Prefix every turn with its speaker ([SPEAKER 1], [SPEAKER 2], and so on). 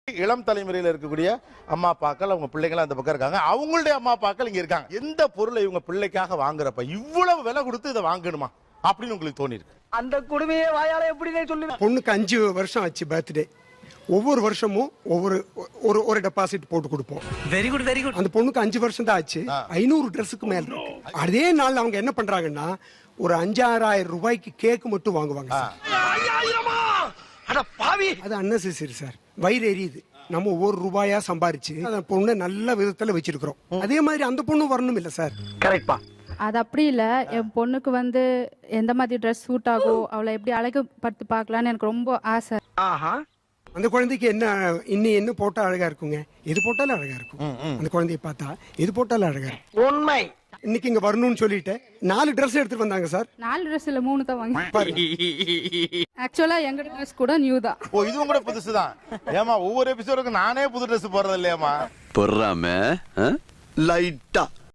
[SPEAKER 1] இளம் தலைமுறையில் இருக்கக்கூடிய அம்மா அப்பாக்கள் அவங்க பிள்ளைகள் அந்த பக்கம் இருக்காங்க, அவங்களுடைய அம்மா அப்பாக்கள் இங்க இருக்காங்க. எந்த பொருளை இவங்க பிள்ளைக்காக வாங்குறப்ப இவ்வளவு விலை கொடுத்து இதை வாங்கணுமா அப்படின்னு உங்களுக்கு தோணி இருக்கு?
[SPEAKER 2] அந்த குடுமையை வாயால எப்படி சொல்லுவேன்.
[SPEAKER 3] பொண்ணுக்கு 5 வருஷம் ஆச்சு பர்த்டே. ஒவ்வொரு வருஷமும் ஒரு டெபாசிட் போட்டு கொடுப்போம்.
[SPEAKER 2] Very good very good.
[SPEAKER 3] அந்த பொண்ணுக்கு 5 வருஷம் தான் ஆச்சு. 500 ட்ரெஸ்ஸுக்கு மேல இருக்கு. அதே நாள் அவங்க என்ன பண்றாங்கன்னா ஒரு 5,000 ரூபாய்க்கு கேக் மட்டும் வாங்குவாங்க. அது அன்னெசரி சார். வயிறு எரியுது. நம்ம ஒவ்வொரு ரூபாயா சம்பாரிச்சு அந்த பொண்ணை நல்ல விதத்துல வச்சிருக்கிறோம். அதே மாதிரி அந்த பொண்ணு வரணும் இல்ல சார்?
[SPEAKER 2] கரெக்ட்பா.
[SPEAKER 4] அது அப்படி இல்லை. என் பொண்ணுக்கு வந்து எந்த மாதிரி ட்ரெஸ் சூட் ஆகும், அவளை எப்படி அழகுபடுத்தி பார்க்கலான்னு எனக்கு ரொம்ப ஆசை.
[SPEAKER 3] அந்த குழந்தைக்கு என்ன போட்டா அழகா இருக்குங்க? எது போட்டாலும் அழகா இருக்கும். அந்த குழந்தைய பார்த்தா எது போட்டாலும் அழகா இருக்கும்.
[SPEAKER 2] உண்மை.
[SPEAKER 3] இன்னைக்கு இங்க வரணும்னு சொல்லிட்டு 4 ட்ரெஸ் எடுத்துட்டு வந்தாங்க சார்.
[SPEAKER 4] 4 ட்ரெஸ் இல்ல 3 தான் வாங்கி. ஆக்சுவலா எங்க ட்ரெஸ் கூட நியூ தான்.
[SPEAKER 1] ஓ, இதுவும் கூட புதுசுதான். ஏமா ஒவ்வொரு எபிசோடுக்கு நானே புது ட்ரெஸ் போடுறது இல்லையாமா?
[SPEAKER 5] பொறாம லைட்டா